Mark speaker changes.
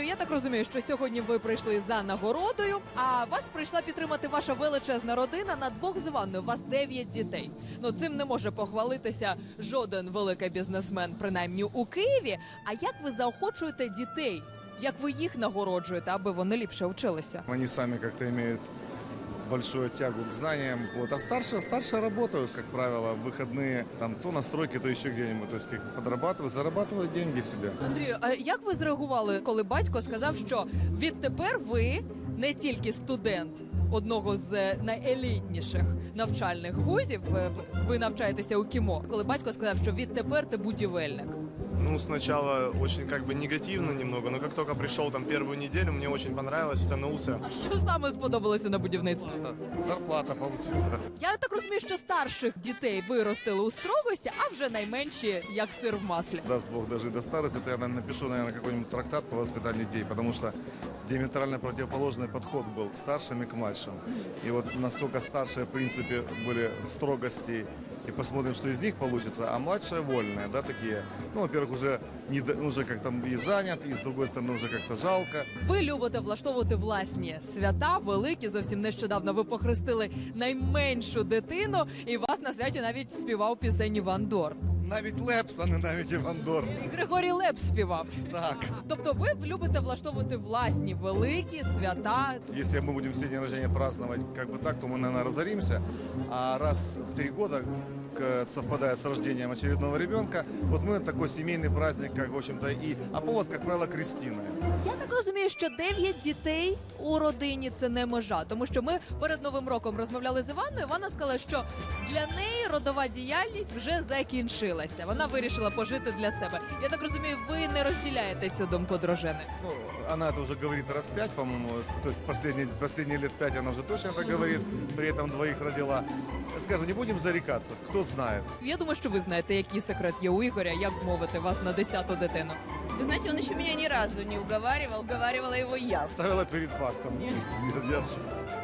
Speaker 1: я так розумію, що сьогодні ви прийшли за нагородою, а вас прийшла підтримати ваша величезна родина на двох з Іванною. У вас 9 дітей. Ну, цим не може похвалитися жоден великий бізнесмен, принаймні у Києві. А як ви заохочуєте дітей? Як ви їх нагороджуєте, аби вони ліпше вчилися?
Speaker 2: Они сами как-то имеют большую тягу к знаниям. Вот. А старшие работают, как правило, в выходные, там, то на стройке, то еще где-нибудь. То есть как подрабатывают, зарабатывают деньги себе.
Speaker 1: Андрію, а як ви зреагували, коли батько сказав, що відтепер ви не тільки студент одного з найелітніших навчальних вузів, ви навчаєтеся у КІМО, коли батько сказав, що відтепер ти будівельник?
Speaker 3: Ну, сначала очень как бы негативно немного, но как только пришел там первую неделю, мне очень понравилось, втянулся.
Speaker 1: А що саме сподобалося на будівництві?
Speaker 2: Зарплата получил.
Speaker 1: Я так розумію, що старших дітей виростили у строгості, а вже найменші як сир в маслі.
Speaker 2: Даст Бог дожить до старости, то я, наверное, напишу, наверное, какой-нибудь трактат по воспитанию детей, потому что диаметрально противоположный подход был к старшим и к младшим. И вот настолько старшие, в принципе, были в строгости, и посмотрим, что из них получится, а младшие вольные, да, такие. Ну, во-первых, уже как-то и занят, и с другой стороны уже как-то жалко.
Speaker 1: Ви любите влаштовувати власні свята, великі. Зовсім нещодавно ви похрестили найменшу дитину, і вас на святі навіть співав пісень Іван Дорн.
Speaker 2: Навіть Лепс, а не навіть Іван Дорн.
Speaker 1: І Григорій Лепс співав.
Speaker 2: Так.
Speaker 1: Тобто ви любите влаштовувати власні великі свята.
Speaker 2: Если мы будем все дни рождения праздновать как бы так, то мы, наверное, разоримся. А раз в 3 года совпадает с рождением очередного ребенка, вот мы такой семейный праздник, как, в общем-то, а повод, как правило, крестиная.
Speaker 1: Я так розумію, що 9 дітей у родині – це не межа. Тому що ми перед Новим роком розмовляли з Іванною. Вона сказала, що для неї родова діяльність вже закінчилася. Вона вирішила пожити для себе. Я так розумію, ви не розділяєте цю думку дружини.
Speaker 2: Ну, она это уже говорит раз 5, по-моему, то есть последние лет 5 она уже точно это говорит, при этом 2 родила. Скажем, не будем зарекаться, кто знает.
Speaker 1: Я думаю, що ви знаєте, який секрет є у Ігоря, як вмовити вас на 10-ту дитину.
Speaker 4: Вы знаете, он еще меня ни разу не уговаривал, уговаривала его я.
Speaker 2: Ставила перед фактом. Я ж-